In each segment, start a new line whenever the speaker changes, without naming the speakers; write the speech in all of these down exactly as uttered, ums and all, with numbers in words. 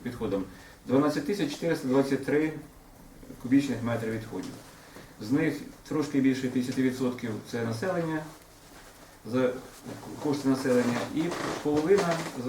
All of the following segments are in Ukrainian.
відходом дванадцять тисяч чотириста двадцять три кубічних метри відходів. З них трошки більше п'ятдесят відсотків це населення, за кошти населення, і половина за,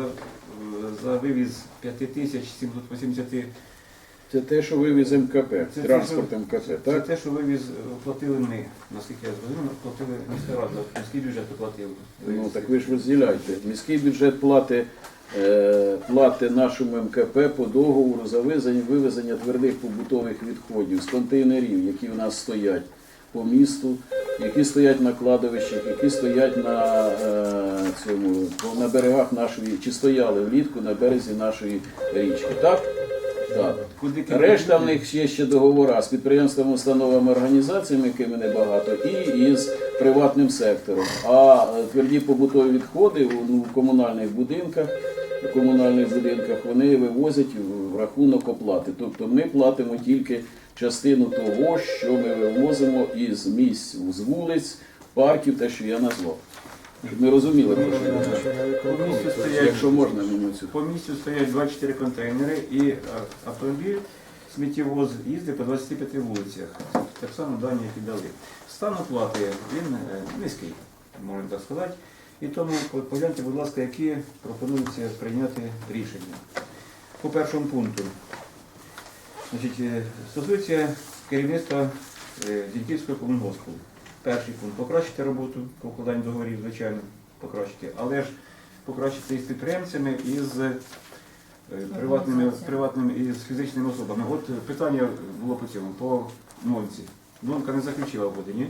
за вивіз п'ять тисяч сімсот вісімдесят.
Це те, що вивіз ем ка пе,
Це
транспорт
те,
ем ка пе,
Це
так?
те, що вивіз, платили ми, наскільки я зрозумів, платили міська рада, міський бюджет оплатив.
Ну так ви ж розділяйте. Міський бюджет платить е, плати нашому ем ка пе по договору за вивезення, вивезення твердих побутових відходів з контейнерів, які в нас стоять по місту, які стоять на кладовищах, які стоять на, е, цьому, на берегах нашої, чи стояли влітку на березі нашої річки. Так? Так. Решта в них є ще договори з підприємствами, установами, організаціями, якими небагато, і із приватним сектором. А тверді побутові відходи у комунальних будинках, у комунальних будинках вони вивозять в рахунок оплати. Тобто ми платимо тільки частину того, що ми вивозимо із місць, з вулиць, парків, те, що я назвав. Щоб ми розуміли, про що я
По місцю стоять,
якщо можна мені цю.
по місцю стоять двадцять чотири контейнери, і автомобіль сміттєвоз їздить по двадцяти п'яти вулицях. Так само дані, які дали. Стан оплати, він е, низький, можна так сказати. І тому погляньте, будь ласка, які пропонуються прийняти рішення. По першому пункту. Значить, е, стосується керівництва е, Зіньківського комунгоспу. Перший пункт – покращити роботу по укладанню договорів, звичайно, покращити, але ж покращити із підприємцями, і з е, приватними, приватними і з фізичними особами. От питання було по цьому, по нонці. Нонка не заключила угоди, ні?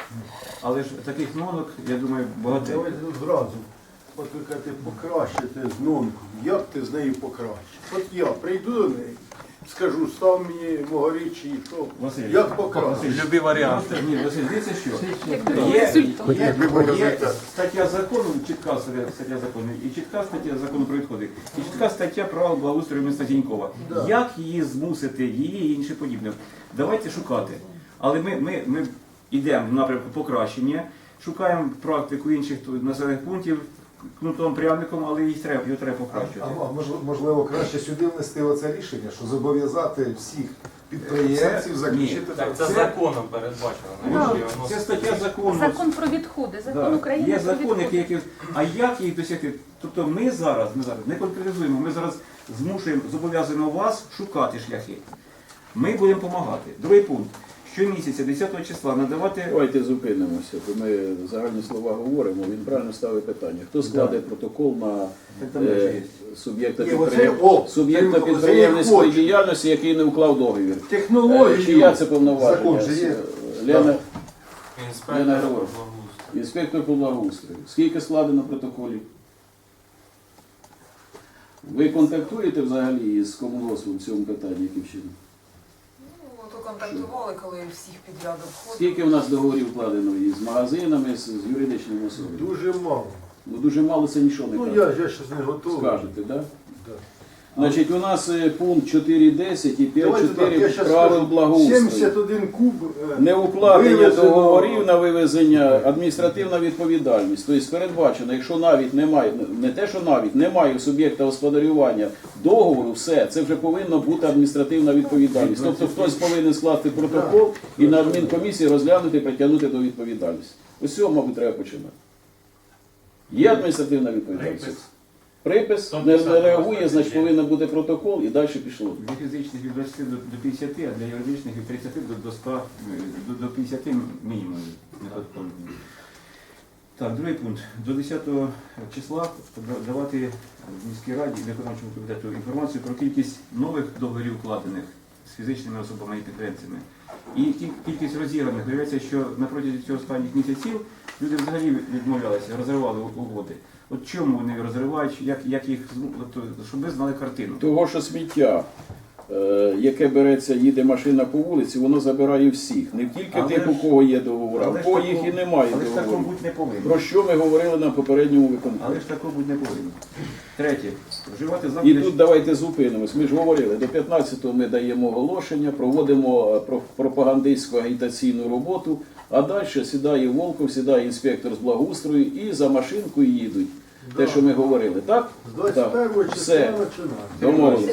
Але ж таких нонок, я думаю, багато.
Давайте тут зразу. От ви кажете, покращити з нонку. Як ти з нею покращиш? От я прийду до неї, скажу, став мені мого річі, що,
Василь,
як покращиш?
Любі варіанти.
Просто, ні, Василь, дивіться, що
Як
є,
результат.
є,
Любий
є
результат.
стаття закону, чітка стаття закону, і чітка стаття закону про відходи, і чітка стаття правил благоустрою міста Зінькова.
Да.
Як її змусити, її і інше подібне? Давайте шукати. Але ми, ми, ми йдемо в напрямку покращення, шукаємо практику інших тут населених пунктів, кнутом, пряником, але їх треба, його треба
А,
покращувати.
а можливо- можливо, краще сюди внести оце рішення, що зобов'язати всіх підприємців
Це-
заключити
Так, це
Це-
законом передбачено.
Ну,
Навіщо його
Це
вносити?
стаття закону.
Закон про відходи, закон
Да.
України
Є
про
закон,
відходи.
який, який... А як їх досягти? Тобто ми зараз, ми зараз не конкретизуємо, ми зараз змушуємо, зобов'язуємо вас шукати шляхи. Ми будемо допомагати. Другий пункт. Щомісяця, десятого числа, надавати...
Давайте зупинимося, бо ми загальні слова говоримо, він правильно ставить питання. Хто складе протокол на
Так там вже
е,
є.
суб'єкта
Ні, оце-
підприєм-
о,
суб'єкта
це- це
підприємницької
я хочу.
діяльності, який не уклав договір? Е,
Технологію.
Чия це повноваження?
Закон же є.
Лена, Лена
Інспектор
Григорівна.
благоустрою.
інспектор по благоустрою. Скільки складено протоколів? Ви контактуєте взагалі з комунгоспом в цьому питанні, яким чином?
Ну, то контактували, коли всіх підряд обходили.
Скільки в нас договорів вкладено із магазинами, з, з юридичними особами?
Дуже мало.
Ну дуже мало, це нічого не
Ну
каже.
я ж я щось не готовий.
Скажете, так? Да?
Да.
Значить, у нас е, пункт чотири десять і
Давайте так, я
п'ять чотири
щас
правил
скажу.
благоустрою.
сімдесят один куб. е,
Неукладення
вивезено.
договорів на вивезення, адміністративна відповідальність. Тобто передбачено, якщо навіть немає, не те, що навіть немає у суб'єкта господарювання договору, все, це вже повинна бути адміністративна відповідальність. Тобто хтось повинен скласти протокол і на адмінкомісії розглянути і притягнути до відповідальності. Ось з цього, мабуть, треба починати. Є адміністративна відповідальність? Припис, не, не реагує, значить повинен бути протокол і далі пішло.
Для фізичних від двадцяти до до п'ятдесяти, а для юридичних від тридцяти до, до ста, е, до, до п'ятдесяти мінімум. не підходить. Так, другий пункт. До десятого числа давати в міській раді і виконавчому комітету інформацію про кількість нових договорів укладених з фізичними особами і підприємцями. І кі- кількість розірваних. Виявляється, що на протязі цього останніх місяців люди взагалі відмовлялися, розривали угоди. От чому вони розривають, як, як їх, зму- от, щоб ви знали картину.
Того, що сміття, е, яке береться, їде машина по вулиці, воно забирає всіх. Не тільки
Але
тих,
ж-
у кого є договори, а
але
у
ж
кого
такого-
їх і немає
Але ж такого
договору.
бути не повинно.
Про що ми говорили на попередньому виконанні.
Але ж такого бути не повинно. Третє. Вживати
І
заходи.
тут давайте зупинимось. Ми ж говорили, до п'ятнадцятого ми даємо оголошення, проводимо е, про- пропагандистську агітаційну роботу, а далі сідає Волков, сідає інспектор з благоустрою і за машинкою їдуть. Те, що ми говорили, так?
З двадцять першого числа
Все.
починаємо.
Домовились.
Сергій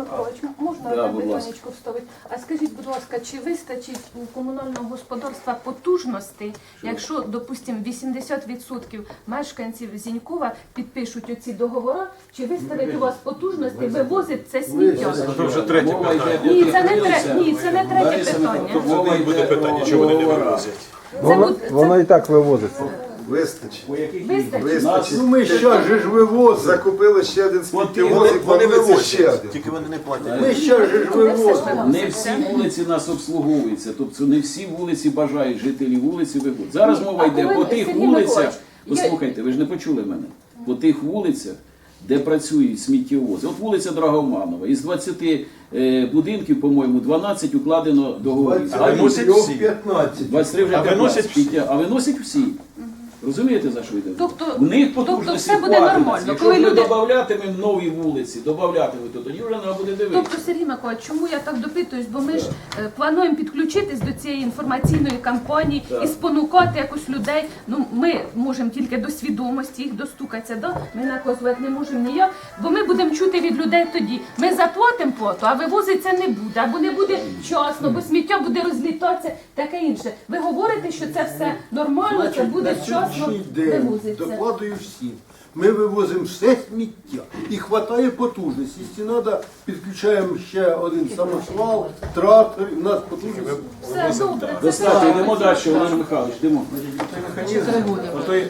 Миколаївич, можна
Да,
одне
будь ласка.
питаннячко вставити? А скажіть, будь ласка, чи вистачить у комунального господарства потужностей, якщо, допустимо, вісімдесят відсотків мешканців Зінькова підпишуть оці договори, чи виставить у вас потужностей вивозить це сміття?
Це вже третє
Мова йде
питання.
про
Ні, це не
підприємця.
тре- ні, це не третє
Лариса
питання.
Миколаївна, мова йде про договора.
Це
Воно,
буде- це-
воно і так вивозиться. Вистачить.
По яких
Вистачить?
Вистачить.
Ну ми щас же ж вивозимо.
Закупили ще один
Вони-
сміттєвоз і планується ще один.
Тільки вони не платять.
Ми щас же ж
Куди все ж
вивозимо.
Не всі вулиці нас обслуговуються, тобто не всі вулиці бажають жителі вулиці виходять. Зараз мова
А
йде
коли,
по тих
Сергій
вулицях,
Миколаївич, я-
послухайте, ви ж не почули мене, по тих вулицях, де працюють сміттєвози. От вулиця Драгоманова, із двадцяти е, будинків, по-моєму, дванадцять укладено договорів. А
виносять
інші-
всі.
п'ятнадцять.
двадцять три вже
А виносять
п'ятнадцять. А виносять всі. Розумієте, за що йде?
Тобто-
В них
тобто
потужності
все буде
хватить.
нормально.
Якщо
Коли
ми
люди-
додаватимемо нові вулиці, додаватимемо, то тоді вже треба буде дивитися.
Тобто, Сергій Миколаївич, чому я так допитуюсь? Бо ми ж е, плануємо підключитись до цієї інформаційної кампанії
Так.
і спонукати якось людей. Ну, ми можемо тільки до свідомості їх достукатися, да? Ми наказувати не можемо ніяк, бо ми будемо чути від людей тоді. Ми заплатимо плату, а вивозиться не буде, або не буде вчасно, бо сміття буде розлітатися, таке інше. Ви говорите, що це все нормально, це буде
на
вчасно
сьогоднішній день
вивозиться.
докладую всім. Ми вивозимо все сміття і хватає потужності. Якщо треба, підключаємо ще один самосвал, трактор, і в нас потужність.
Все добре. це
Достатньо, йдемо далі, Олег Михайлович, йдемо.
Той механізм, отой,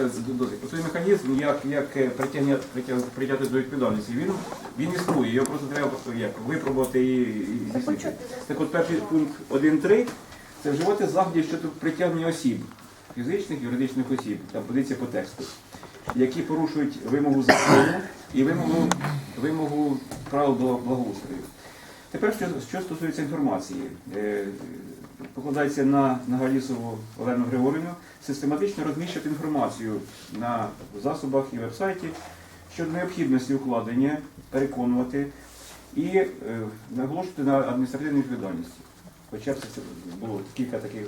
отой механізм, як, як е, притягня- притяг- притягти до відповідальності, він, він існує, його просто треба як, випробувати і, і здійснити. Так от перший пункт один три – це вживати заходів щодо притягнення осіб, фізичних, юридичних осіб, там позиція по тексту, які порушують вимогу закону і вимогу, вимогу правил до благоустрою. Тепер, що, що стосується інформації, е, покладається на Нагалісову Олену Григорівну систематично розміщувати інформацію на засобах і вебсайті щодо необхідності укладення, переконувати і е, наголошувати на адміністративній відповідальності. Хоча б це було кілька таких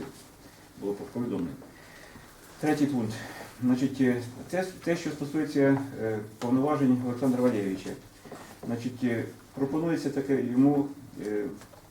було повідомлень. Третій пункт. Значить, е, це те, що стосується е, повноважень Олександра Валерійовича. Значить, е, пропонується таке йому е,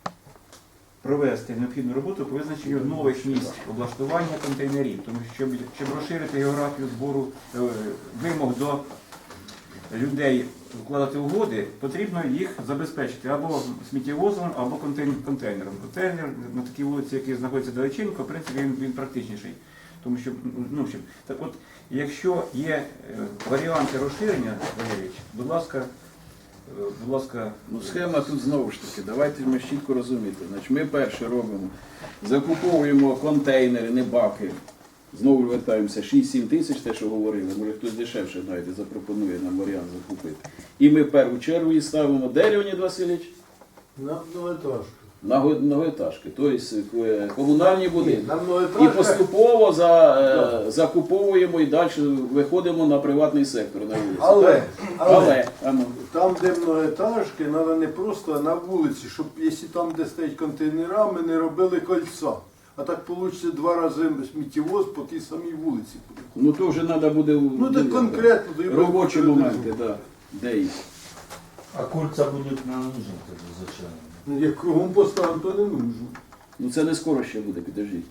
провести необхідну роботу по визначенню нових місць облаштування контейнерів, тому що щоб, щоб розширити географію збору е, вимог до людей вкладати угоди, потрібно їх забезпечити або сміттєвозом, або контейн- контейнером. Контейнер на такій вулиці, який знаходиться далеченько, в принципі, він, він практичніший. Тому що, ну, що, так от, якщо є е, варіанти розширення, Валерійович, будь ласка, е, будь ласка,
Ну, схема тут знову ж таки, давайте ми чітко розуміти. Значить, ми перше робимо, закуповуємо контейнери, не баки. Знову вертаємося, шість-сім тисяч, те, що говорили, може хтось дешевше навіть запропонує нам варіант закупити. І ми в першу чергу її ставимо, де, Леонід Васильович?
На многоетажку.
На го- многоетажки, тобто е, комунальні будинки.
На
І
многоетажках
поступово за, е, закуповуємо і далі виходимо на приватний сектор на вулиці.
Але,
Так?
але,
Але, а ну.
там, де многоетажки, треба не просто на вулиці, щоб якщо там, де стоять контейнера, ми не робили кольця. А так вийде два рази сміттєвоз по тій самій вулиці.
Ну то вже треба буде
Ну так конкретно. то і
робочі
буде
моменти, да. Де їх?
А кольца будет нам нужен тогда зачем?
Ну, як кругом поставимо, то не нужно.
Ну це не скоро ще буде, підождіть.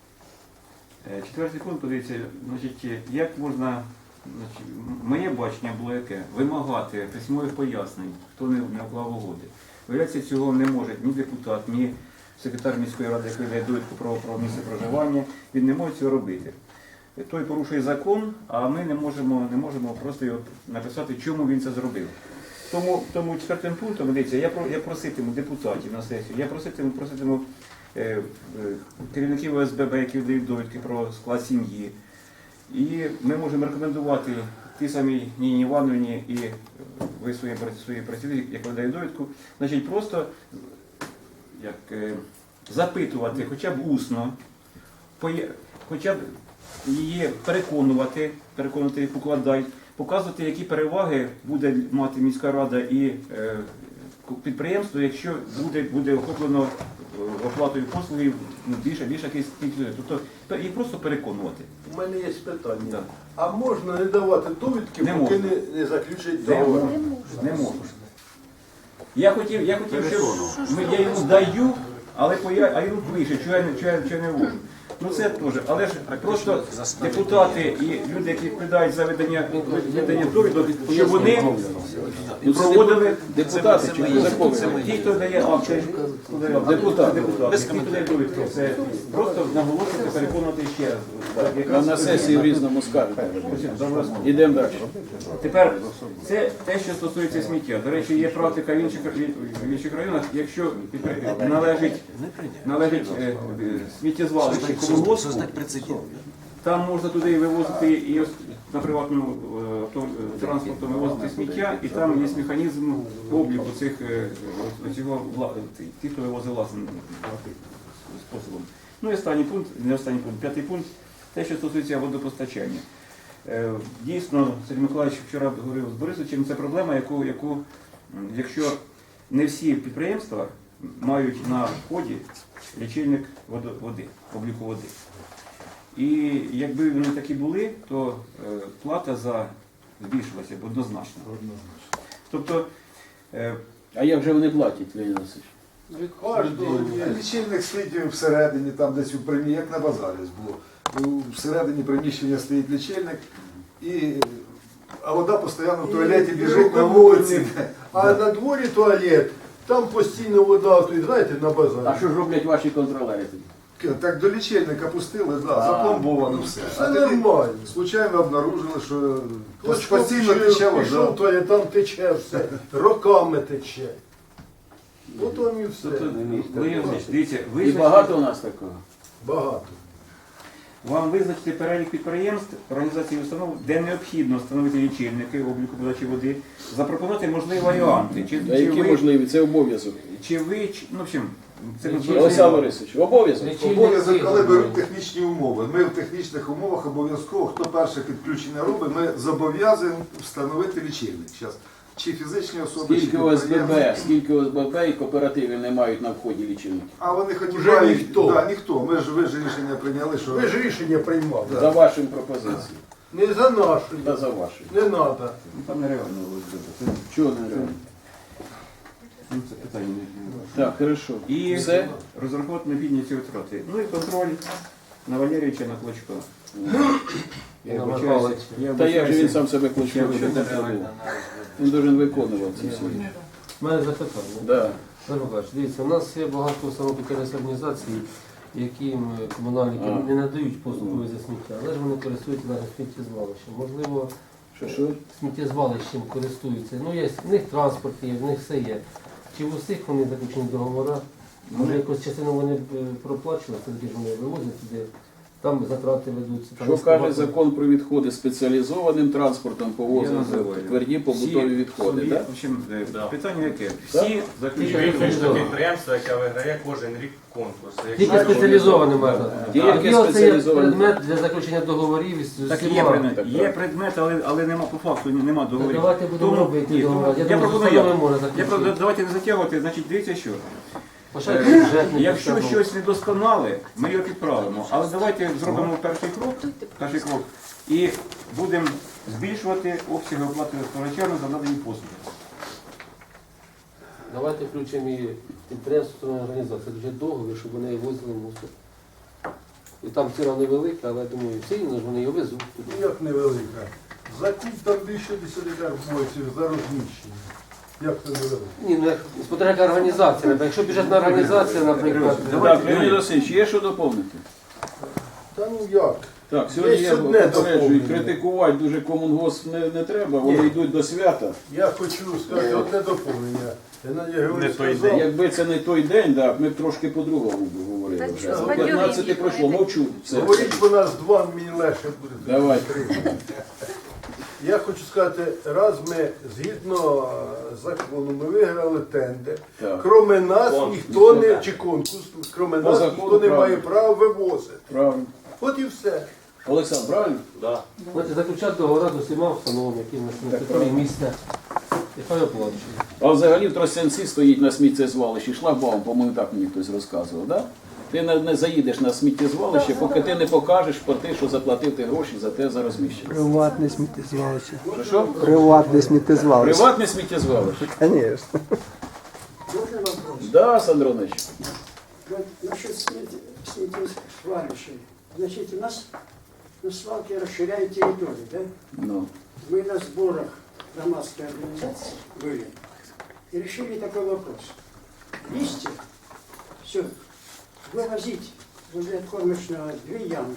Е, четвертий пункт, подивіться, значить, е, як можна, значить, м- моє бачення було яке? Вимагати письмових пояснень, хто не, не уклав угоди. Виявляється, цього не може ні депутат, ні секретар міської ради, який дає довідку про, про місце проживання, він не може цього робити. Е, Той порушує закон, а ми не можемо, не можемо просто його написати, чому він це зробив. Тому, тому четвертим пунктом, дивіться, я, про- я проситиму депутатів на сесію, я проситиму, проситиму е, е, керівників О С Б Б, які дають довідки про склад сім'ї. І ми можемо рекомендувати ті самі Ніні Івановні і е, ви свої, свої працівники, як ви дають довідку, значить просто як, е, запитувати хоча б усно, поє- хоча б її переконувати, переконувати їх укладай, показувати, які переваги буде мати міська рада і е, підприємство, якщо буде, буде охоплено е, оплатою послуги ну, більше, більше якийсь кількість. Тобто пе- їх просто переконувати.
У мене є питання.
Да.
А можна не давати довідки,
Не
поки
можна.
не, не заключать
Не
договор?
можна.
Не можна.
Не можна. Я хотів, я хотів, щоб ми, я йому даю, але поя, а йому пише, що я, не- що я, що я не вожу. Ну це теж, але ж просто депутати і люди, які відповідають за видання, видання довідок, щоб вони проводили
Депутати чи закони?
ті, хто дає акти,
Депутати.
депутати, ті, хто дає довідки, це просто наголосити, переконувати ще раз.
А
Якраз
на сесії в різному скажете.
Завершено.
Ідемо далі.
Тепер це те, що стосується сміття. До речі, є практика в інших, в інших районах, якщо належить, належить е, е, сміттєзвалище комунгоспу, там можна туди і вивозити і ось на приватному е, авто- транспорту вивозити сміття, і там є механізм обліку цих е, е, цього вла- ті, хто вивозить власним способом. Ну і останній пункт, не останній пункт, п'ятий пункт, те, що стосується водопостачання. Е, Дійсно, Сергій Миколаївич вчора говорив з Борисовичем, це проблема, яку, яку, м, якщо не всі підприємства мають на вході лічильник водо- води, обліку води. І якби вони такі були, то е, плата за збільшилася б однозначно. Тобто, е,
А як же вони платять, Леонід Васильович?
Від кожного є.
Лічильник стоїть всередині, там десь у приміщенні, як на базарі було. Всередині приміщення стоїть лічильник, і, а вода постійно в туалеті біжить на вулиці.
А на дворі туалет, там постійно вода, то, знаєте, на
А
базарі.
що ж роблять ваші контролери тоді?
Так до лічильника пустили, да,
А.
запломбовано все.
Все
А тоді
нормально.
случайно обнаружили, що
Хтось
постійно тече вода.
пішов, то є, там тече все, роками тече. От вам і все.
тобто, Леонід Ілліч, дивіться,
І
визначити,
багато у нас такого?
Багато.
вам визначити перелік підприємств, організацій і установ, де необхідно встановити лічильники обліку подачі води, запропонувати можливі варіанти. Чи,
А
чи
які
ви,
можливі? Це обов'язок.
чи ви, чи- ну, в общем, це
Олександр Борисович, обов'язок.
Обов'язок, коли беруть технічні умови. Ми в технічних умовах обов'язково, хто перше підключення робить, ми зобов'язані встановити лічильник. Зараз. Чи фізичні особи, чи
Скільки ОСББ,
підприємці.
скільки ОСББ і кооперативів не мають на вході лічильників?
А вони хоч і
Уже
мають-
ніхто.
Да, ніхто. Ми ж ви ж рішення прийняли, що
Ви ж рішення приймали.
За вашим пропозицією.
Не за нашу,
Та за вашою.
не треба.
Ну, там нереально виглядає. Це,
Чого не реально?
ну, це питання. не-
Так, хорошо.
І
Все?
розраховувати необхідні ці витрати. Ну і контроль на Валерійовича, на Клочко. Я вибачаюся. Я
Та як же він
вибачаюся.
сам себе
Я
кличе?
вибачаюся.
Він должен виконувати ці всі.
У мене запитання.
Да.
Олег Миколаївич, дивіться, у нас є багато самопідтримних організацій, яким комунальники
А.
не надають послуги за сміття, але ж вони користуються навіть сміттєзвалищем. Можливо,
Що, що?
сміттєзвалищем користуються. Ну, є, в них транспорт є, в них все є. Чи в усіх вони заключені договори? Може, якусь частину вони б е, проплачували, тоді ж вони вивозять туди, там затрати ведуться. Там
Що каже
багато-
закон про відходи спеціалізованим транспортом
Я
повозити
називаю.
тверді побутові
Всі
відходи,
собі,
так?
в общем, е,
Да.
питання яке?
Так?
Всі
І
заключають.
виключно підприємство, яке виграє кожен рік конкурс.
Тільки спеціалізовані можна.
Тільки
Тоді оце є
спеціалізовані.
предмет для заключення договорів із
Так є
всіма.
предмет,
Так,
є
так.
предмет, але, але нема по факту, нема договорів.
Ну, давайте будемо
Тому-
робити
ні,
договори.
тому
Я
Я
думаю,
пропоную
що
як.
саме можна
Я
заключити.
правда, давайте не затягувати, значить дивіться що.
Почати
Е,
бюджетний
Якщо
постанову.
щось недосконале, ми його підправимо. Але давайте зробимо перший крок, перший крок і будемо збільшувати обсяги оплати споживачами за надані послуги.
Давайте включимо і підприємство організації, дуже договір, щоб вони возили мусор. І там ціна невелика, але я думаю, сильно ж вони його везуть туди.
Ну, як невелика. Закуп там більше десятиках боїться за розміщення. Як це невелика?
Ні, ну як смотря яка організація, наприклад. Якщо бюджетна організація, наприклад,
Так, Леонід Васильович, є що доповнити?
Та ну як?
Так, сьогодні
Є
я
одне
попереджую,
доповнення.
критикувати дуже комунгосп не, не треба, вони
Ні.
йдуть до свята.
Я хочу сказати одне доповнення. Геннадій Григорович
той
сказав,
Якби це не той день, так, ми б трошки по-другому б говорили вже.
Так,
За п'ятнадцяте пройшло, мовчу. Все.
говоріть, що нас два, мені легше буде.
Давай.
Я хочу сказати, раз ми згідно е, закону ми виграли тендер,
Так.
кроме нас
Конкурс.
ніхто не, чи конкурс, кроме
По
нас
закону
ніхто не
правильно.
має права вивозити.
Правильно.
От і все.
Олександр, правильно?
Да.
знаєте, заключати договори з усіма установами, які в нас на території міста. І хай оплачують.
А взагалі в Тростянці стоїть на сміттєзвалищі шлагбаум, по-моєму, так мені хтось розказував, так? Ти не, не заїдеш на сміттєзвалище, поки ти не покажеш порти, що заплатив ти гроші за те за розміщення.
Приватне сміттєзвалище.
Що що?
Приватне сміттєзвалище.
Приватне сміттєзвалище.
Звісно. Можно вопрос?
Да, Сандронович.
Вот насчет сметисвалищей. Значит, у нас на свалке расширяют территорию, да?
Ну.
Мы на сборах громадской организации были и решили такой вопрос. Листья, все, вывозить возле откормочного две ямы.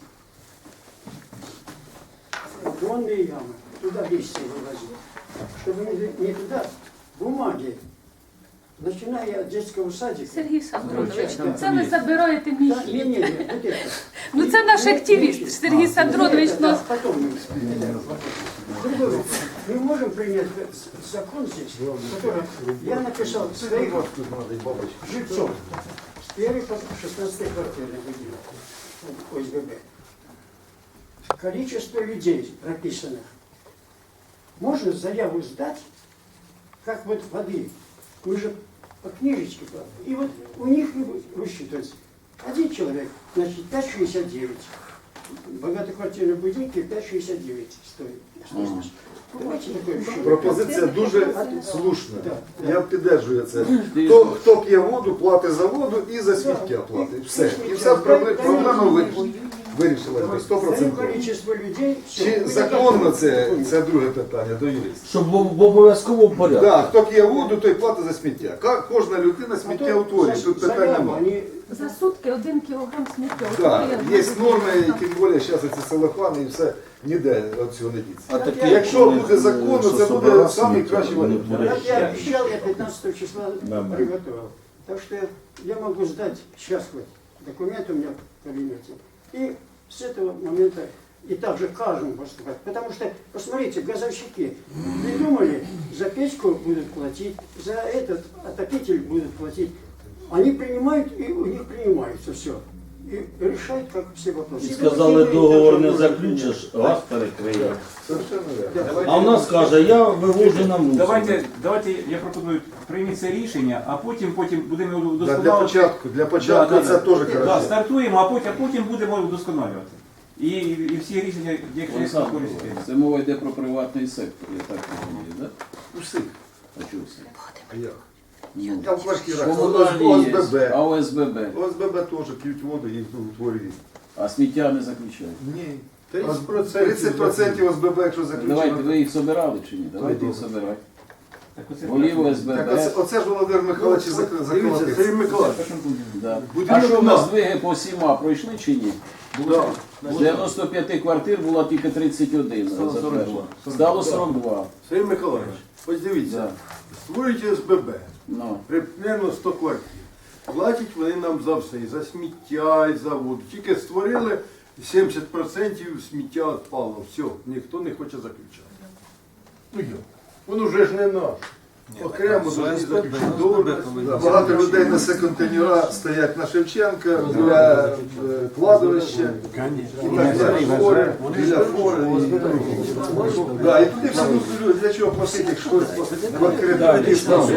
Донные ямы, туда листья вывозить. Чтобы не, не туда бумаги, начиная от детского садика.
Сергій Сандронович,
Да.
ну це ви забираєте
Да,
мій.
не, не, не, вот это.
Ну це наш активіст Сергій Сандронович.
Это,
Ну,
да, потом мы Другой вопрос. Мы можем принять закон здесь, который я написал своих жильцов с первой по шестнадцатой квартиры выделил ОСББ. Количество людей прописанных. Можно заяву сдать, как вот воды. Мы же по книжечке платим. И вот у них высчитывается. Один человек, значит, пять шестьдесят девять. Багатоквартирные будинки пять шестьдесят девять стоит.
Ага.
Давайте такое решение.
Пропозиція дуже слушна.
Да, да.
Я підтримую це. Хто, хто п'є воду, платить за воду і за сміття платить. Все. І вся проблема, проблема ви- вирішилася. сто
Даю
відсотків.
количество людей. все.
Чи
Мы
законно
так-
це, це друге питання до юриста.
Щоб в в обов'язковому порядку.
Так, хто п'є воду, той платить за сміття. Ка- Кожна людина сміття утворює, тут питань
Заяву,
немає.
они
за сутки один кілограм сміття.
Так,
Отримує.
є норми, тим більше зараз ці целофани і все ніде від цього не діться.
А такі,
Якщо
вони,
буде законно,
що
це буде
собирали
самий
сміття,
кращий
вони
варіант.
творять.
Как я обещал, я пятнадцатого числа
Да, да.
приготовил. Так что я, я могу сдать сейчас вот документ у меня в кабинете. И с этого момента и также каждому поступать. Потому что, посмотрите, газовщики придумали, за печку будут платить, за этот отопитель будут платить. Они принимают, и у них принимается все. И решают, как все вопросы.
І сказали, договор не заключиш, газ перекриє.
Совершенно верно.
А в нас каже, я вивожу на мусор.
Давайте, давайте я пропоную прийміть це рішення, а потім, потім будемо його
Да,
вдосконалювати.
для початку, для початку
Да, да,
це
да.
теж
Да,
хорошо.
стартуємо, а потім, а потім будемо вдосконалювати. І, і всі рішення, якщо є
Олександр,
користі.
це мова йде про приватний сектор, я так розумію, так?
У всіх.
А чого все?
А як?
Ну,
Там в квартирах
комунальні є,
ОСББ.
а ОСББ.
ОСББ теж п'ють воду і утворюють.
А сміття не заключають.
Ні.
тридцять процентів
тридцять відсотків ОСББ, якщо
Давайте,
заключено.
ви їх собирали чи ні? Давайте їх собирати.
Так оце
Голів
Так
ОСББ.
оце, оце ж Володимир Михайлович
Ну,
зак-
Дивіться, Сергій
заколотив.
Миколаївич,
Да.
Будинок
А що в
на-
нас здвиги по сіма пройшли чи ні?
да.
З дев'яносто п'яти квартир було тільки тридцять один.
Стало сорок два.
Стало сорок два.
Сергій Миколаївич, ось дивіться,
Да.
створюють ОСББ,
Ну.
примерно сто квартир. Платять вони нам за все, і за сміття, і за воду. Тільки створили сімдесят відсотків сміття відпало. Все, ніхто не хоче заключати. Ну як? Воно вже ж не наш. Окремо должны заключити договір.
Да, Багато людей несе контейнера, стоять на Шевченка, для е, кладовища, і так далі, фори, біля фори. І, да, і туди всі люди, для чого платити, якщо квартири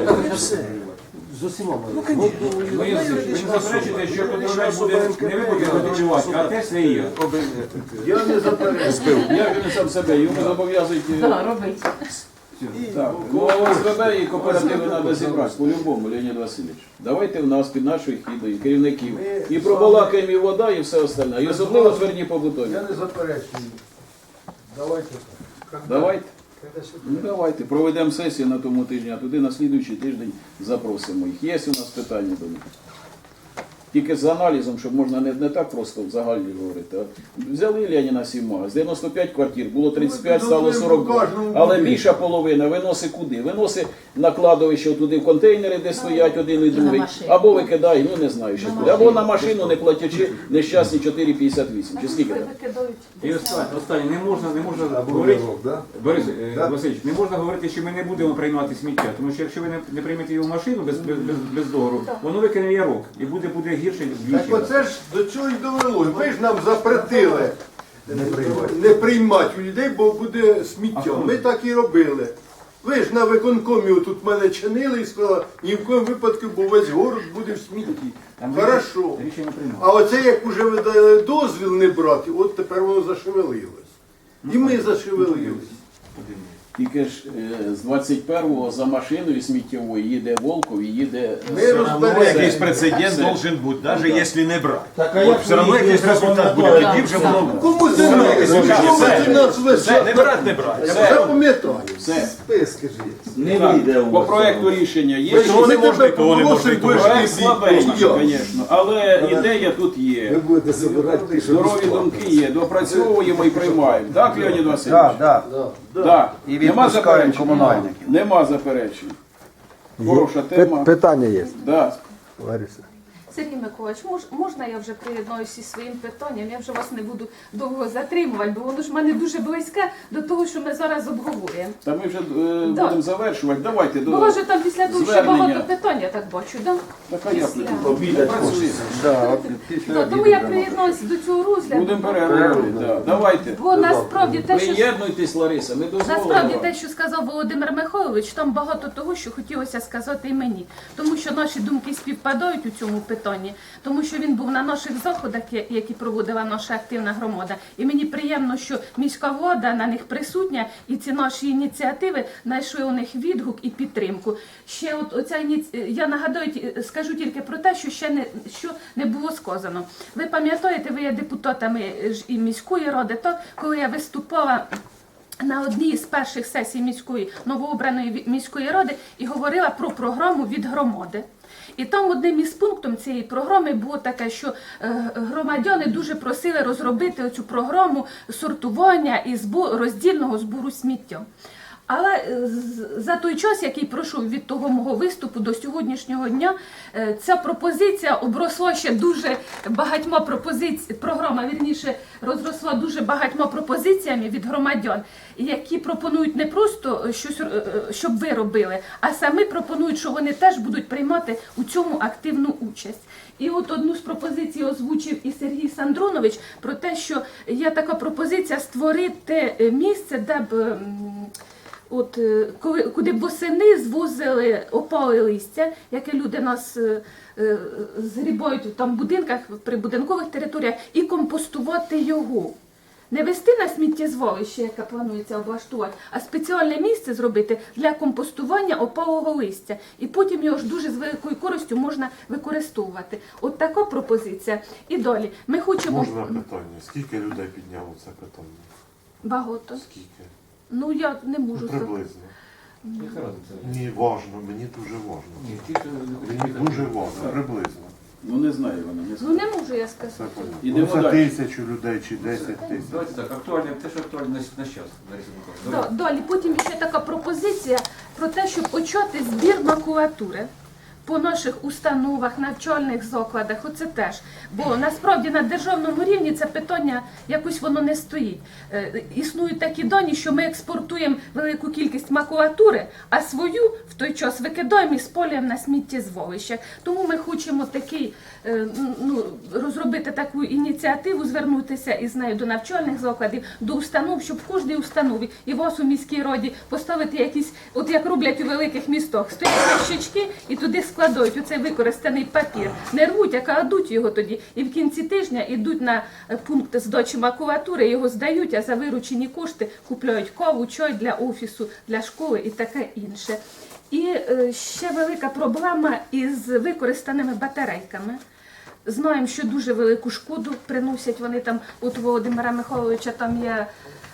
з усіма.
Ви ви не заперечуєте, що контролер буде не ви будете контролювати, а те все є.
Я не заперечую.
Як він сам себе? Йому зобов'язують. е,
Так, робить.
Так, ну а ОСББ і кооперативи треба зібрати по-любому, Леонід Васильович. Давайте в нас під нашою хідою, керівників. І пробалакаємо і вода, і все остальне. І особливо тверді побутові.
Я не заперечую. Давайте так.
Давайте. Ну давайте, проведемо сесію на тому тижні, а туди на слідуючий тиждень запросимо їх. Є у нас питання до них. Тільки з аналізом, щоб можна не, не так просто в загальні говорити. А взяли Леніна Сіма, з дев'яносто п'ять квартир, було тридцять п'ять, стало сорок два. Але більша половина виносить куди? Виносить на кладовище туди в контейнери, де стоять один і другий, або викидає, ну не знаю, що куди. Або на машину, не платячи нещасні чотири п'ятдесят вісім. Чи скільки там?
Викидають.
І останнє, останнє, не можна, не можна
або
говорити.
вирок, да?
Борис е,
Да.
Васильович, не можна говорити, що ми не будемо приймати сміття, тому що якщо ви не, не приймете його в машину без, без, без, без договору, воно викине ярок і буде, буде гірше
Так
вдвічі.
оце ж до чого й довело. Ви ж нам запретили не приймати у людей, бо буде сміття. Ми так і робили. Ви ж на виконкомі тут мене чинили і сказали, ні в коєму випадку, бо весь город буде в смітті.
Там
Хорошо.
Рішення приймали.
А оце як уже ви дали дозвіл не брати, от тепер воно зашевелилось. І ми зашевелились.
Тільки ж е, з двадцять першого за машиною сміттєвою їде Волков і їде...
Ми
Все
розберемося.
Якийсь прецедент
Все.
должен бути, навіть якщо не брати.
Так, а
От
як
все одно
ви їх
якийсь
не
результат буде,
запам'ятали?
тоді вже було.
Кому
Все,
землі?
все,
Чому
все.
ви нас весь
Все, не брати, не брати.
Я
Все.
запам'ятаю.
Все.
Списки ж є.
Не
Так,
вийде у
по
вас.
проекту рішення є.
Ви
Того не
тебе
можна, того не можна,
попросимо,
того не
ви ж
Проект
всі,
слабенький,
я.
звісно, але ідея тут
Ви
є.
будете збирати пише
Здорові думки є, допрацьовуємо і приймаємо. Так, Леонід Васильович?
Так, так.
Да.
І
Нема
відпускаємо
заперечень?
комунальників.
Нема заперечень. Хороша тема.
Питання є,
Да.
Лариса.
Сергій Миколаївич, мож, можна я вже приєднаюся зі своїм питанням? Я вже вас не буду довго затримувати, бо воно ж в мене дуже близьке до того, що ми зараз обговорюємо.
Та ми вже е,
Да.
будемо завершувати. Давайте
Бо
до
у вас же там після того ще
звернення.
багато питань, я так бачу, да?
Така я
Після.
Обідать
Працюємо.
Да,
Да, тому я приєднаюся до цього розгляду.
Будемо переговорити. Да. Давайте.
Бо насправді те, що
Приєднуйтесь, Лариса, ми дозволимо.
Насправді
вам.
те, що сказав Володимир Михайлович, там багато того, що хотілося сказати і мені. Тому що наші думки співпадають у цьому питанні, тому що він був на наших заходах, я- які проводила наша активна громада. І мені приємно, що міська влада на них присутня, і ці наші ініціативи знайшли у них відгук і підтримку. Ще от оця ініці... я нагадаю, ті- скажу тільки про те, що ще не що не було сказано. Ви пам'ятаєте, ви є депутатами ж і міської ради, то коли я виступала на одній з перших сесій міської новообраної ві- міської ради і говорила про програму від громади. І там одним із пунктів цієї програми було таке, що е, громадяни дуже просили розробити оцю програму сортування і збу- роздільного збору сміття. Але е, з- за той час, який пройшов від того мого виступу до сьогоднішнього дня, е, ця пропозиція обросла ще дуже багатьма пропозиціями, програма, вірніше, розросла дуже багатьма пропозиціями від громадян, які пропонують не просто щось, е, е, щоб ви робили, а самі пропонують, що вони теж будуть приймати у цьому активну участь. І от одну з пропозицій озвучив і Сергій Сандронович про те, що є така пропозиція створити е, місце, де б м, От е, коли куди б восени звозили опали листя, яке люди нас е, е, згрібають там в будинках, при будинкових територіях, і компостувати його. Не вести на сміттєзвалище, яке планується облаштувати, а спеціальне місце зробити для компостування опалого листя. І потім його ж дуже з великою користю можна використовувати. От така пропозиція. І далі. Ми хочемо
Можна питання? Скільки людей підняло це питання?
багато.
Скільки?
Ну я не можу.
Ну, приблизно.
Яка разниця?
Мені важно, мені дуже важно.
Ні, ті, хто не
Мені дуже важно, приблизно.
Ну не знаю вона, не
Ну
знаю.
не можу я
Це
сказати.
понятно.
Ідемо
Ну, це
далі.
тисячу людей чи десять тисяч.
Давайте так, актуальне, те, що актуально на, на час, Лариса Миколаївна.
Да, далі потім ще така пропозиція про те, щоб почати збір макулатури по наших установах, навчальних закладах. Оце теж. Бо насправді на державному рівні це питання якось воно не стоїть. Е, існують такі дані, що ми експортуємо велику кількість макулатури, а свою в той час викидаємо і спалюємо на сміттєзвалищах. Тому ми хочемо такий, е, ну, розробити таку ініціативу, звернутися із нею до навчальних закладів, до установ, щоб в кожній установі і вас у міській раді поставити якісь, от як роблять у великих містах, стоять ящички і туди складають оцей використаний папір. Не рвуть, а кладуть його тоді. І в кінці тижня йдуть на е, пункт здачі макулатури, його здають, а за виручені кошти купляють каву, чай для офісу, для школи і таке інше. І е, ще велика проблема із використаними батарейками. Знаємо, що дуже велику шкоду приносять вони там, от Володимира Михайловича там є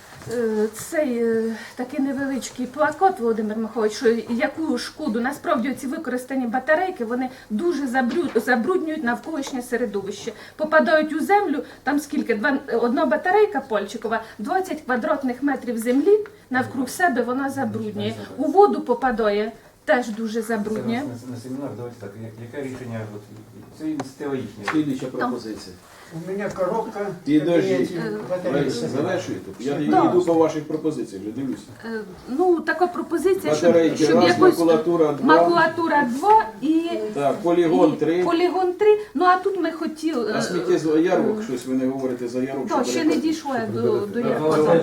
е, цей е, такий невеличкий плакат, Володимир Михайлович, що яку шкоду, насправді ці використані батарейки, вони дуже забрю- забруднюють навколишнє середовище. Попадають у землю, там скільки, Два- одна батарейка пальчикова, двадцять квадратних метрів землі навкруг себе вона забруднює. У воду попадає, теж дуже забруднює.
На, на семінар, давайте так, я- яке рішення, от, це ініціатива їхня.
Слідуюча пропозиція.
У меня коробка.
Підождіть.
кабинете,
Лариса,
батареи.
завершуйте. Я
Да.
йду по ваших пропозиціях, вже дивлюся.
Е, Ну, така пропозиція, щоб,
Батарейки
щоб
раз,
якось
макулатура два.
макулатура два і,
Так, полігон
і
три.
полігон три. Ну, а тут ми хотіли...
А сміттєзвал ярмарок, щось ви не говорите за ярмарок.
Так,
що
ще
берете?
не дійшло я до, до
Ну,
Ярмарка.
це ж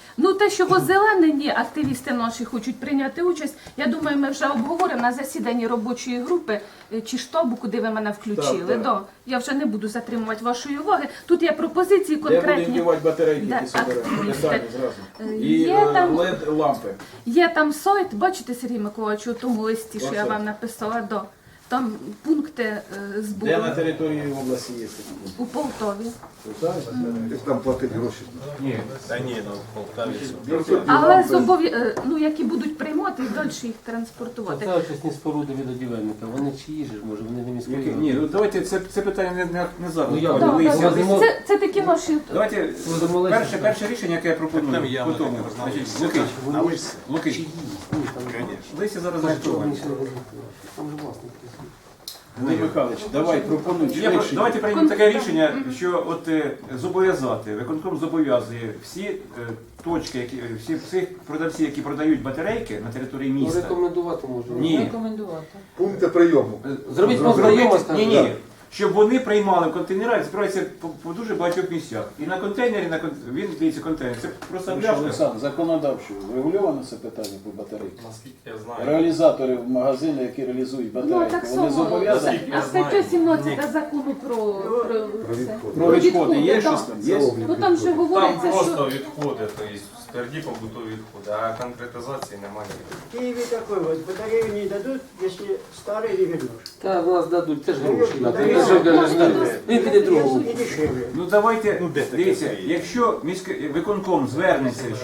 Ну, те, що озеленені активісти наші хочуть прийняти участь, я думаю, ми вже обговоримо на засіданні робочої групи е, чи штабу, куди ви мене включили.
Так, так.
Да. Я вже не буду затримувати вашої уваги. Тут є пропозиції
Де будемо
конкретні.
вдівати батарейки,
Де
які соберемо?
активісти.
Деталі зразу.
Е,
І
є
е,
там-
лед лампи.
Є там сайт, бачите, Сергій Миколаївич, у тому листі, що я
Оце.
вам написала, да. Там пункти е, збору
Де на території області є такі?
у Полтові.
Як там платити гроші.
Ні, та ні, ну в Полтаві.
Але зобов'я... е, ну, які будуть приймати і далі їх транспортувати.
Це очисні споруди від одівельника. Вони чиї ж, може, вони не міської
Які-
ради?
Ні, ну давайте це, це питання не, не, не зараз.
Ну, я-
Пане
Да,
Лисі,
да,
Лисі.
це, це такі наші.
Давайте
Будемо Лисі.
перше, перше рішення, яке я пропоную,
Там явно
по тому,
таке
значить,
знали.
Лукич,
А ви
Лукич,
чиї? Ні, там
Лисі зараз
Там
не
ж
актуальний.
вони ще не визначили. Там же власник.
Андрій Михайлович, давай пропонуй
Я про-
швидше.
давайте приймемо таке рішення, що от е, зобов'язати, виконком зобов'язує всі е, точки, які всі всіх продавців, які продають батарейки на території
Ну,
міста.
рекомендувати можна.
Ні.
Пункти прийому.
Зробіть
Зробити-
пункт прийому,
ні,
скажімо.
ні, щоб вони приймали в контейнерах, збираються по, по дуже багатьох місцях. І на контейнері, на кон... він дивіться контейнер. Це просто
Тому що,
пляшка.
Олександр, законодавчо врегульовано це питання по батарейкам?
Наскільки я знаю.
Реалізатори в магазини, які реалізують
Ну,
батарейки,
так
вони
само.
зобов'язані?
А стаття сімнадцята закону про, про, це.
Про відходи є
да.
щось там? Є?
Ну там же
Там
говориться,
просто
що
відходи, тобто тверді побутові відходи, а конкретизації немає.
В Киеве такой вот, батарею не дадут, если старый не вернешь.
Та в нас дадуть, це ж гроші.
Ну,
Він же каже, він піде другого.
И дешевле.
Ну давайте,
Ну, де таке
дивіться,
це є?
якщо міський виконком звернеться,